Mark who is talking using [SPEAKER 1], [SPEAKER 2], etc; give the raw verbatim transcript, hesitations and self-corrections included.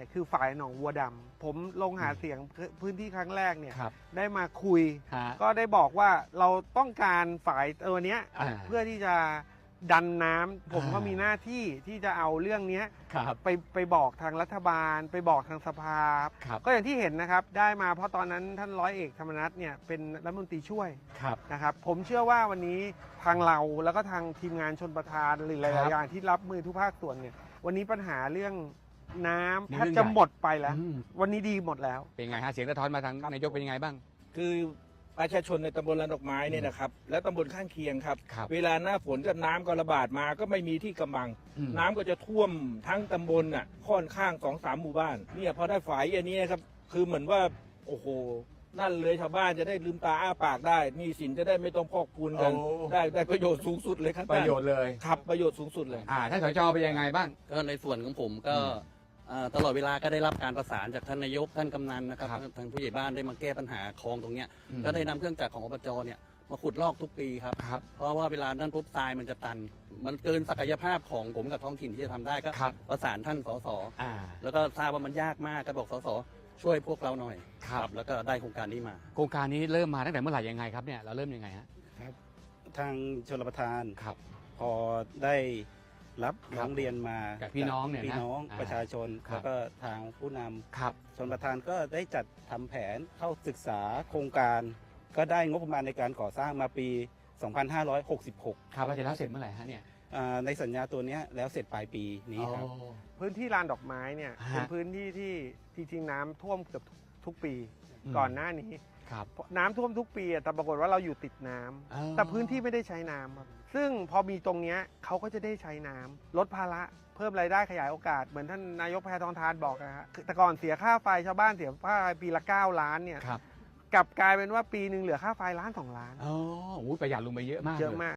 [SPEAKER 1] เนี่ยคือฝ่ายหนองวัวดำผมลงหาเสียงพื้นที่ครั้งแรกเนี่ย
[SPEAKER 2] ครับ
[SPEAKER 1] ได้มาคุย
[SPEAKER 2] ฮะ
[SPEAKER 1] ก็ได้บอกว่าเราต้องการฝ่ายตัวเนี้ย
[SPEAKER 2] อ่า
[SPEAKER 1] เพื่อที่จะดันน้ำผม
[SPEAKER 2] อ่า
[SPEAKER 1] ก็มีหน้าที่ที่จะเอาเรื่องเนี้ย
[SPEAKER 2] ครับ
[SPEAKER 1] ไปไปบอกทางรัฐบาล ไปบอกทางสภา
[SPEAKER 2] ครับ
[SPEAKER 1] ก็อย่างที่เห็นนะครับได้มาเพราะตอนนั้นท่านร้อยเอกธรรมนัฐเนี่ยเป็นรัฐมนตรีช่วย
[SPEAKER 2] ครับ
[SPEAKER 1] นะครับผมเชื่อว่าวันนี้ทางเราแล้วก็ทางทีมงานชนประทานหรือห
[SPEAKER 2] ครั
[SPEAKER 1] ลาย
[SPEAKER 2] บ
[SPEAKER 1] ๆอย่างที่รับมือทุกภาคส่วนเนี่ยวันนี้ปัญหาเรื่องน้ำ
[SPEAKER 2] นี่
[SPEAKER 1] แทบ
[SPEAKER 2] เรื่อง
[SPEAKER 1] จะ
[SPEAKER 2] ใหญ่
[SPEAKER 1] หมดไปแล้ว
[SPEAKER 2] อืม
[SPEAKER 1] วันนี้ดีหมดแล้ว
[SPEAKER 2] เป็นไงฮะเสียงสะท้อนมาทางนายกเป็นยังไงบ้าง
[SPEAKER 3] คือประชาชนในตำบลลานดอกไม้เนี่ยนะครับและตำบลข้างเคียงครับ
[SPEAKER 2] ครับ
[SPEAKER 3] เวลาหน้าฝนกับน้ำก็ระบาดมาก็ไม่มีที่กำบัง
[SPEAKER 2] อืม
[SPEAKER 3] น้ำก็จะท่วมทั้งตำบลน่ะค่อนข้างสองสามหมู่บ้านเนี่ยพอได้ฝายอันนี้ครับคือเหมือนว่าโอ้โหนั่นเลยชาวบ้านจะได้ลืมตาอ้าปากได้หนี่สินจะได้ไม่ต้องพอกพูนกัน
[SPEAKER 2] โอ้
[SPEAKER 3] ได้ได้ประโยชน์สูงสุดเลยครับ
[SPEAKER 2] ประโยชน์เลย
[SPEAKER 3] ครับประโยชน์สูงสุดเลย
[SPEAKER 2] อ่าท่านสจเป็นยังไงบ้าง
[SPEAKER 4] ก็ในส่วนของผมก็
[SPEAKER 2] อืม
[SPEAKER 4] เอ่อตลอดเวลาก็ได้รับการประสานจากท่านนายกท่านกำนันนะครับ
[SPEAKER 2] ครับ
[SPEAKER 4] ทางผู้ใหญ่บ้านได้มาแก้ปัญหาคลองตรงเนี้ย
[SPEAKER 2] อืม
[SPEAKER 4] ก็ได้นำเครื่องจักรของอบจเนี่ยมาขุดลอกทุกปีครับ
[SPEAKER 2] ครับ
[SPEAKER 4] เพราะว่าเวลานั้นปุ๊บทรายมันจะตัน มันเกินศักยภาพของผมกับท้องถิ่นที่จะทำได้ก็
[SPEAKER 2] ครับ
[SPEAKER 4] ประสานท่านสส
[SPEAKER 2] อ่า
[SPEAKER 4] แล้วก็ทราบว่ามันยากมากก็บอกสสช่วยพวกเราหน่อย
[SPEAKER 2] ครับ
[SPEAKER 4] แล้วก็ได้โครงการนี้มา
[SPEAKER 2] โครงการนี้เริ่มมาตั้งแต่เมื่อไหร่ยังไงครับเนี่ยเราเริ่มยังไงฮะ
[SPEAKER 5] ทางชลประทาน
[SPEAKER 2] ครับ
[SPEAKER 5] พอได้รับ
[SPEAKER 2] ครับ
[SPEAKER 5] ร้องเรียนมา
[SPEAKER 2] จากพี่น้องเนี่ยนะ
[SPEAKER 5] พี่น้อง
[SPEAKER 2] อ่า
[SPEAKER 5] ประชาชน
[SPEAKER 2] ครับ
[SPEAKER 5] แล้วก็ทางผู้นำ
[SPEAKER 2] ครับ
[SPEAKER 5] ชลประทานก็ได้จัดทำแผนเข้าศึกษาโครงการ ก็ได้งบประมาณในการก่อสร้างมาปี สองพันห้าร้อยหกสิบหก
[SPEAKER 2] ครับเราจะแล้วเสร็จเมื่อไหร่ฮะเนี่ย
[SPEAKER 5] อ่าในสัญญาตัวเนี้ยแล้วเสร็จปลายปีนี้ครับ
[SPEAKER 2] อ๋อ
[SPEAKER 1] พื้นที่ลานดอกไม้เนี่ย
[SPEAKER 2] ฮะ
[SPEAKER 1] เป็นพื้นที่ที่จริงๆน้ำท่วมเกือบทุกปี
[SPEAKER 2] อืม
[SPEAKER 1] ก่อนหน้านี้
[SPEAKER 2] ครับ
[SPEAKER 1] น้ำท่วมทุกปีอะแต่ปรากฏว่าเราอยู่ติดน้ำ
[SPEAKER 2] อ๋อ
[SPEAKER 1] แต่พื้นที่ไม่ได้ใช้น้ำครับซึ่งพอมีตรงเนี้ยเขาก็จะได้ใช้น้ำลดภาระเพิ่มรายได้ขยายโอกาสเหมือนท่านนายกแพทองทานบอกนะฮะคือแต่ก่อนเสียค่าไฟชาวบ้านเสียค่าไฟปีละเก้าล้านเนี่ย
[SPEAKER 2] ครับ
[SPEAKER 1] กลับกลายเป็นว่าปีหนึ่งเหลือค่าไฟล้านสองล้าน
[SPEAKER 2] อ๋อโอ้ยประหยัดลงไปเยอะมาก
[SPEAKER 1] เยอะ
[SPEAKER 2] ล
[SPEAKER 1] มาก